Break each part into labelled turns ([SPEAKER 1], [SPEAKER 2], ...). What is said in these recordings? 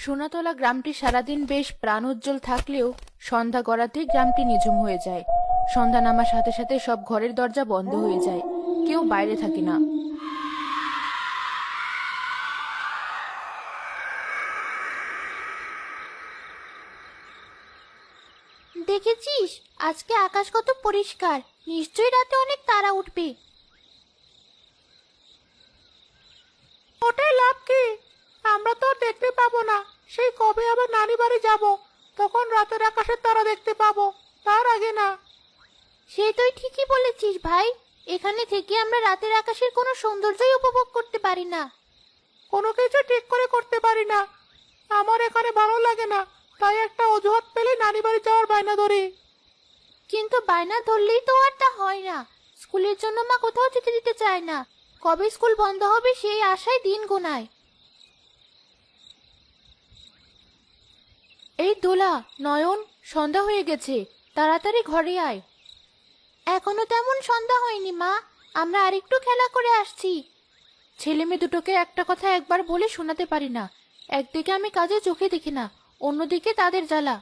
[SPEAKER 1] সোনাতলা গ্রামটি সারাদিন বেশ প্রাণোজ্জ্বল থাকলেও সন্ধ্যা গড়াতেই গ্রামটি নিঝুম হয়ে যায়। সন্ধ্যা নামার সাথে সাথে সব ঘরের দরজা বন্ধ হয়ে যায়, কেউ বাইরে থাকে না।
[SPEAKER 2] দেখেছিস আজকে আকাশ কত পরিষ্কার, নিশ্চয়ই রাতে অনেক তারা উঠবে।
[SPEAKER 3] ওটাই লাভ কি? আমরা তো আর দেখতে পাবো না। সেই কবে আবার নানি বাড়ি যাব, তখন রাতের আকাশের তারা দেখতে পাবো, তার আগে না।
[SPEAKER 2] সে তুই ঠিকই বলেছিস ভাই, এখানে থেকে আমরা রাতের আকাশের কোনো সৌন্দর্যই উপভোগ করতে পারি না।
[SPEAKER 3] কোনো কিছু ঠিক করে করতে পারি না। আমার এখানে ভালো লাগে না, তাই একটা অজুহাত পেলে নানি বাড়ি যাওয়ার বায়না ধরি।
[SPEAKER 2] কিন্তু বায়না ধরলেই তো আর তা হয় না। স্কুলের জন্য মা কোথাও যেতে দিতে চায় না। কবে স্কুল বন্ধ হবে সেই আশায় দিন গোনায়।
[SPEAKER 1] এই দোলা, নয়ন, সন্ধ্যা হয়ে গেছে, তাড়াতাড়ি ঘরে আয়।
[SPEAKER 2] এখনো তেমন সন্ধ্যা হয়নি মা, আমরা আরেকটু খেলা করে আসছি।
[SPEAKER 1] ছেলে মেয়ে দুটোকে একটা কথা একবার বলে শোনাতে পারি না। একদিকে আমি কাজে চোখে দেখি না, অন্যদিকে তাদের জ্বালা।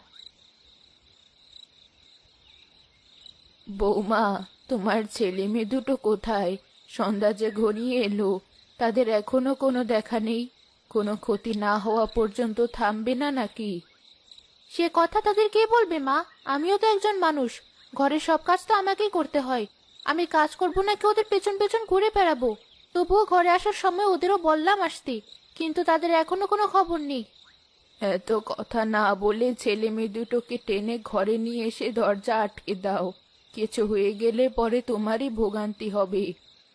[SPEAKER 1] বৌমা, তোমার ছেলে মেয়ে দুটো কোথায়? সন্ধ্যা যে ঘনিয়ে এলো, তাদের এখনো কোনো দেখা নেই। কোনো ক্ষতি না হওয়া পর্যন্ত থামবে না নাকি?
[SPEAKER 2] সে কথা তাদের কে বলবে মা? আমিও তো একজন মানুষ, ঘরের সব কাজ তো আমাকেই করতে হয়। আমি কাজ করবো নাকি ওদের পেছন পেছন ঘুরে বেড়াবো? তবুও ঘরে আসার সময় ওদেরও বললাম আসতে, কিন্তু তাদের এখনো কোনো খবর নেই।
[SPEAKER 1] এত কথা না বলে ছেলে মেয়ে দুটোকে টেনে ঘরে নিয়ে এসে দরজা আটকে দাও। কিছু হয়ে গেলে পরে তোমারই ভোগান্তি হবে।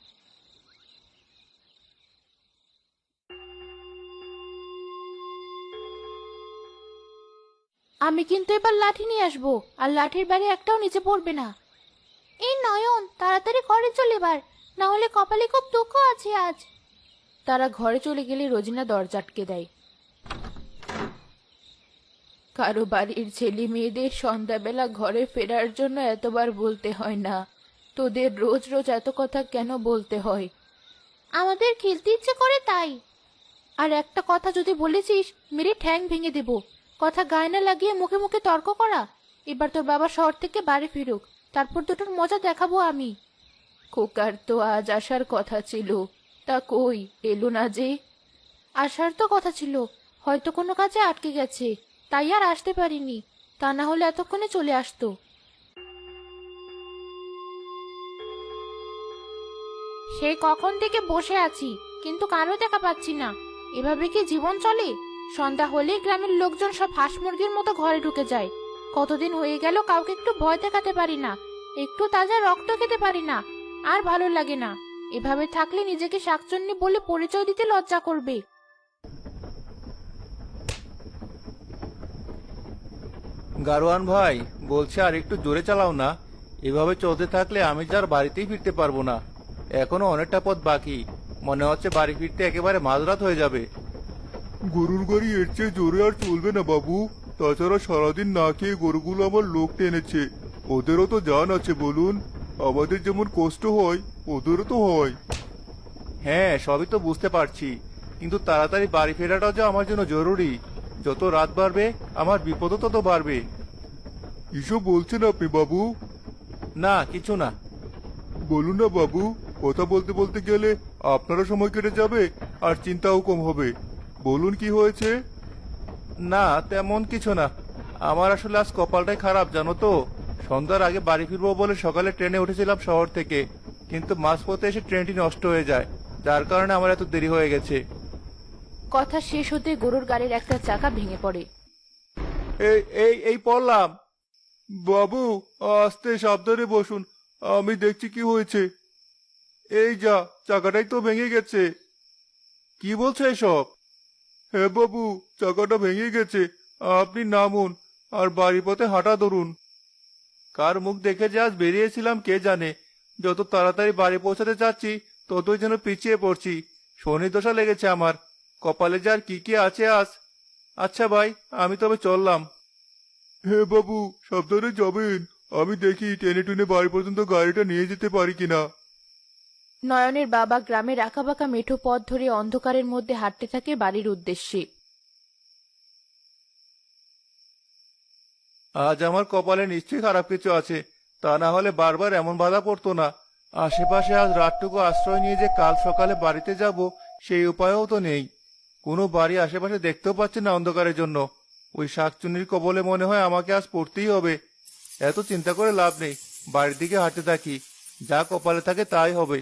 [SPEAKER 2] আমি কিন্তু এবার লাঠি নিয়ে আসবো, আর লাঠির বাড়ি একটাও নিচে পড়বে না। এই নয়ন, তাড়াতাড়ি ঘরে চলে এবার, না হলে কপালে খুব দুঃখ আছে আজ।
[SPEAKER 1] তারা ঘরে চলে গেলে রোজিনা দরজা আটকে দেয়। কারো বাড়ির ছেলে মেয়েদের সন্ধ্যাবেলা ঘরে ফেরার জন্য এতবার বলতে হয় না। তোদের রোজ রোজ এত কথা কেন বলতে হয়?
[SPEAKER 2] আমাদের খেলতে ইচ্ছে করে তাই।
[SPEAKER 1] আর একটা কথা যদি বলেছিস, মেরে ঠ্যাং ভেঙে দেব। কথা গায়ে না লাগিয়ে মুখে মুখে তর্ক করা। এবার তোর বাবা শহর থেকে বাড়ি ফিরুক, তারপর দুটোর মজা দেখাবো আমি। খোকার তো আজ আসার কথা ছিল, তা কই এলো না যে? আসার তো কথা ছিল, হয়তো কোনো কাজে আটকে গেছে, তাই আর আসতে পারিনি। তা না হলে এতক্ষণে চলে আসতো।
[SPEAKER 2] সেই কখন থেকে বসে আছি, কিন্তু কারো দেখা পাচ্ছি না। এভাবে কি জীবন চলে? সন্ধ্যা হলেই গ্রামের লোকজন সব হাঁস মুরগির মতো ঘরে ঢুকে যায়। কতদিন হয়ে গেল কাউকে একটু ভয় দেখাতে পারি না, একটু তাজা রক্ত খেতে পারি না। আর ভালো লাগে না। এভাবে থাকলে নিজেকে শাকচুন্নি বলে পরিচয় দিতে লজ্জা করবে।
[SPEAKER 4] গারোয়ান ভাই, বলছে আর একটু জোরে চালাও না। এভাবে চলতে থাকলে আমি যার বাড়িতেই ফিরতে পারবো না। এখনো অনেকটা পথ বাকি, মনে হচ্ছে বাড়ি ফিরতে একেবারে মাঝরাত হয়ে যাবে।
[SPEAKER 5] গরুর গাড়ি এর চেয়ে জোরে আর চলবে না বাবু। তাছাড়া সারাদিন না খেয়ে গরুগুলো আমার লোক টেনেছে, ওদেরও তো জান আছে বলুন। আমাদের যেমন কষ্ট হয় ওদেরও তো হয়।
[SPEAKER 4] হ্যাঁ, সবই তো বুঝতে পারছি, কিন্তু তাড়াতাড়ি বাড়ি ফেরাটা যে আমার জন্য জরুরি। যত রাত বাড়বে আমার বিপদও তত বাড়বে।
[SPEAKER 5] এসব বলছেন আপনি বাবু?
[SPEAKER 4] না, কিছু না।
[SPEAKER 5] বলুন না বাবু, কথা বলতে বলতে গেলে আপনারও সময় কেটে যাবে আর চিন্তাও কম হবে। বলুন কি হয়েছে?
[SPEAKER 4] না, তেমন কিছু না। আমার আসলে আজ কপালটাই খারাপ জানো তো। সন্ধ্যার আগে বাড়ি ফিরবো বলে সকালে ট্রেনে উঠেছিলাম শহর থেকে, কিন্তু মাঝপথে এসে ট্রেনটি নষ্ট হয়ে যায়, যার কারণে আমার এত দেরি হয়ে গেছে।
[SPEAKER 1] কথা শেষ হতে গরুর গাড়ির একটা চাকা ভেঙে পড়ে।
[SPEAKER 4] এই এই এই পড়লাম।
[SPEAKER 5] বাবু, আস্তে সাবধানে বসুন, আমি দেখছি কি হয়েছে। এই যা, চাকাটাই তো ভেঙে গেছে।
[SPEAKER 4] কি বলছো এসব?
[SPEAKER 5] হ্যাঁ বাবু, চাকাটা ভেঙে গেছে। আপনি নামুন আর বাড়ি পথে হাঁটা ধরুন।
[SPEAKER 4] কার মুখ দেখে যে আজ বেরিয়েছিলাম কে জানে। যত তাড়াতাড়ি বাড়ি পৌঁছাতে চাচ্ছি ততই যেন পিছিয়ে পড়ছি। শনি দশা লেগেছে আমার, কপালে যে আর কি কি আছে আজ। আচ্ছা ভাই, আমি তবে চললাম।
[SPEAKER 5] হ্যাঁ বাবু, সাবধানে যাবেন। আমি দেখি টেনে টুনে বাড়ি পর্যন্ত গাড়িটা নিয়ে যেতে পারি কিনা।
[SPEAKER 1] নয়নের বাবা গ্রামের আঁকাবাঁকা মেঠো পথ ধরে অন্ধকারের মধ্যে হাঁটতে থাকে বাড়ির উদ্দেশ্যে।
[SPEAKER 4] আজ আমার কপালে নিশ্চয়ই খারাপ কিছু আছে, তা না হলে বারবার এমন বাধা পড়তো না। আশেপাশে আজ রাতটুকু আশ্রয় নিয়ে যে কাল সকালে বাড়িতে যাব সেই উপায়ও তো নেই। কোনো বাড়ি আশেপাশে দেখতেও পাচ্ছি না অন্ধকারের জন্য। ওই শাকচুন্নির কবলে মনে হয় আমাকে আজ পড়তেই হবে। এত চিন্তা করে লাভ নেই, বাড়ির দিকে হাঁটতে থাকি, যা কপালে থাকে তাই হবে।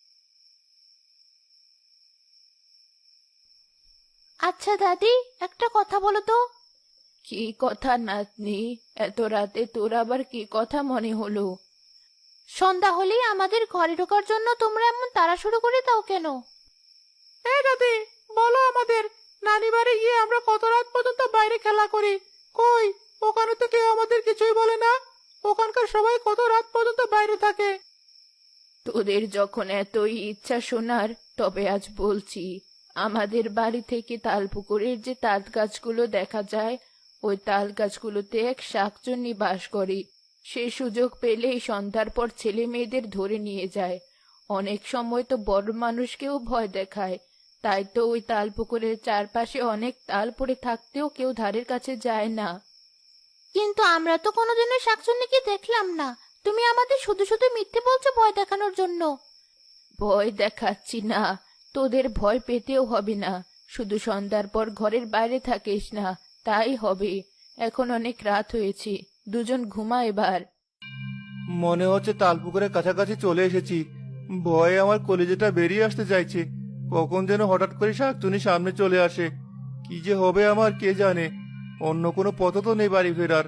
[SPEAKER 1] আচ্ছা দাদি, একটা কথা বলো তো। কি কথা নাতনি? এত রাতে তোর আবার কি কথা মনে হলো? সন্ধ্যা হলেই আমাদের ঘরে ঢোকার জন্য তোমরা এমন তাড়া শুরু করে দাও কেন?
[SPEAKER 3] এই দাদি, বলো আমাদের, নানি বাড়ি গিয়ে আমরা কত রাত পর্যন্ত বাইরে খেলা করি। কই, ওখানে তো কেউ আমাদের কিছুই বলে না। ওখানকার সবাই কত রাত পর্যন্ত বাইরে থাকে।
[SPEAKER 1] তোদের যখন এতই ইচ্ছা শোনার, তবে আজ বলছি, আমাদের বাড়ি থেকে তালপুকুরের যে তাল গাছগুলো দেখা যায়, ওই তাল গাছগুলোতে এক শাকচুন্নি বাস করে। সে সুযোগ পেলেই সন্ধ্যার পর ছেলে মেয়েদের ধরে নিয়ে যায়। অনেক সময় তো বড় মানুষকেও ভয় দেখায়। তাই তো ওই তালপুকুরের চারপাশে অনেক তাল পড়ে থাকতেও কেউ ধারের কাছে যায় না। কিন্তু আমরা তো কোনোদিনও শাকচুন্নিকে দেখলাম না। তুমি আমাদের শুধু শুধু মিথ্যে বলছো ভয় দেখানোর জন্য। ভয় দেখাচ্ছি না, তোদের ভয় পেতেও হবে না। শুধু সন্ধ্যার পর ঘরের বাইরে থাকিস না, তাই হবে। এখন অনেক রাত হয়েছে, দুজন ঘুমা এবার।
[SPEAKER 4] মনে হচ্ছে তালপুকুরের কাছাকাছি চলে এসেছি। ভয়ে আমার কলিজাটা বেরিয়ে আসতে চাইছে। কখন যেন হঠাৎ করে শাকচুনি সামনে চলে আসে। কি যে হবে আমার কে জানে। অন্য কোনো পথ তো নেই বাড়ি ফেরার।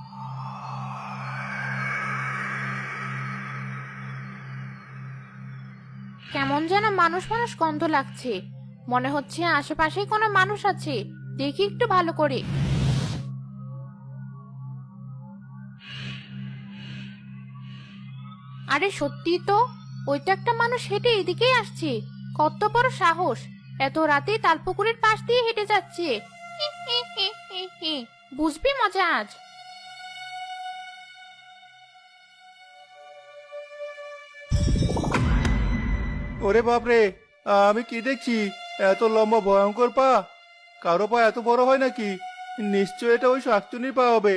[SPEAKER 2] কেমন যেন মানুষ মানুষ গন্ধ লাগছে। মনে হচ্ছে আশেপাশেই কোনো মানুষ আছে। দেখি একটু ভালো করে। আরে সত্যি তো, ওইটা একটা মানুষ হেঁটে এদিকেই আসছে। কত বড় সাহস, এত রাতে তালপুকুরের পাশ দিয়ে হেঁটে যাচ্ছে। হি, হি, হি, হি, হি। বুঝবি মজা আজ।
[SPEAKER 4] ওরে বাপরে, আমি কি দেখছি? এত লম্বা ভয়ঙ্কর পা! কারো পা এত বড় হয় নাকি? নিশ্চয় এটা ওই শাকচুনির পা হবে।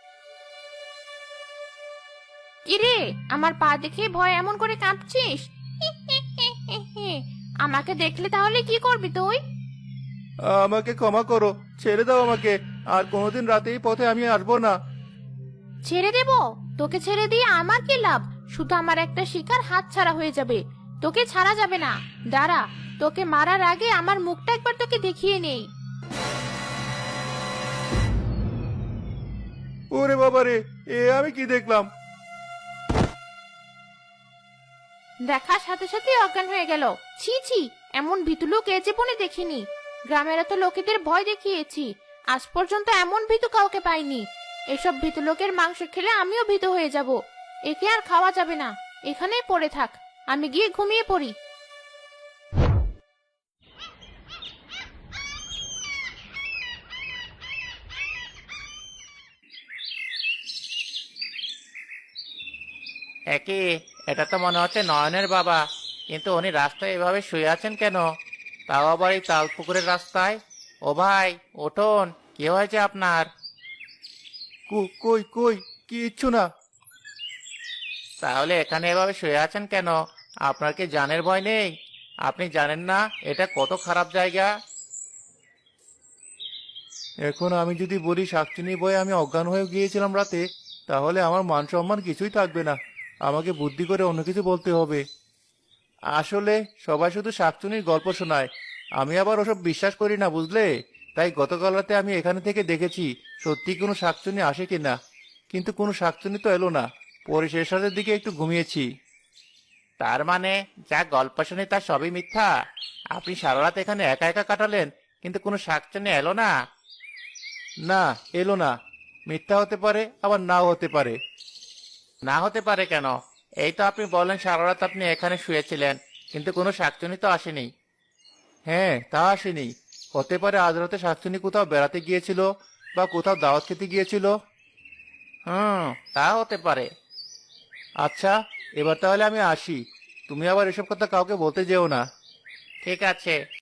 [SPEAKER 2] কিরে, আমার পা দেখে ভয় এমন করে কাঁপছিস? হি, হি, হি, হি, হি। আমাকে দেখলে তাহলে কি করবি তুই?
[SPEAKER 4] আমাকে ক্ষমা করো, ছেড়ে দাও আমাকে। আর কোনোদিন রাতে এই পথে আমি আসবো না।
[SPEAKER 2] ছেড়ে দেব? তোকে ছেড়ে দিয়ে আমার কি লাভ? শুধু আমার একটা শিকার হাত ছাড়া হয়ে যাবে। তোকে ছাড়া যাবে না। দাঁড়া, তোকে মারার আগে আমার মুখটা একবার তোকে দেখিয়ে নেই।
[SPEAKER 4] ওরে বাবারে, এ আমি কি দেখলাম?
[SPEAKER 2] দেখার সাথে সাথে অজ্ঞান হয়ে গেল। ছি ছি, এমন ভীতু লোক এ জীবনে দেখিনি। গ্রামের এত লোকেদের ভয় দেখিয়েছি, আজ পর্যন্ত এমন ভীতু কাউকে পাইনি। এসব ভীতু লোকের মাংস খেলে আমিও ভীতু হয়ে যাব। একে আর খাওয়া যাবে না, এখানেই পড়ে থাক। আমি গিয়ে ঘুমিয়ে পড়ি।
[SPEAKER 6] একই, এটা তো মনে হচ্ছে নয়নের বাবা। কিন্তু উনি রাস্তায় এভাবে শুয়ে আছেন কেন? তাও আবার এই তাল পুকুরের রাস্তায়। ও ভাই, উঠুন, কি হয়েছে আপনার?
[SPEAKER 4] কই কই, কিচ্ছু না।
[SPEAKER 6] তাহলে এখানে এভাবে শুয়ে আছেন কেন? আপনার কি জানের ভয় নেই? আপনি জানেন না এটা কত খারাপ জায়গা?
[SPEAKER 4] এখন আমি যদি বলি শাকচুনি ভয়ে আমি অজ্ঞান হয়ে গিয়েছিলাম রাতে, তাহলে আমার মান সম্মান কিছুই থাকবে না। আমাকে বুদ্ধি করে অন্য কিছু বলতে হবে। আসলে সবাই শুধু শাকচুনির গল্প শোনায়, আমি আবার ওসব বিশ্বাস করি না, বুঝলে? তাই গতকাল রাতে আমি এখানে থেকে দেখেছি সত্যি কোনো শাকচুনি আসে কিনা। কিন্তু কোনো শাকচুনি তো এলো না। পরে শেষ রাতের দিকে একটু ঘুমিয়েছি।
[SPEAKER 6] তার মানে যা গল্প শুনি তার সবই মিথ্যা? আপনি সারা রাত এখানে একা একা কাটালেন, কিন্তু কোনো শাকচুনি এলো না?
[SPEAKER 4] না, এলো না। মিথ্যা হতে পারে, আবার নাও হতে পারে।
[SPEAKER 6] না হতে পারে কেন? এই তো আপনি বলেন সারা রাত আপনি এখানে শুয়েছিলেন, কিন্তু কোনো শাকচুনি তো আসেনি।
[SPEAKER 4] হ্যাঁ, তা আসেনি। হতে পারে আজ রাতে শাকচুনি কোথাও বেড়াতে গিয়েছিল, বা কোথাও দাওয়াত খেতে গিয়েছিল।
[SPEAKER 6] তা হতে পারে।
[SPEAKER 4] আচ্ছা, এবার তাহলে আমি আসি। তুমি আবার এসব কথা কাউকে বলতে যেও না।
[SPEAKER 6] ঠিক আছে।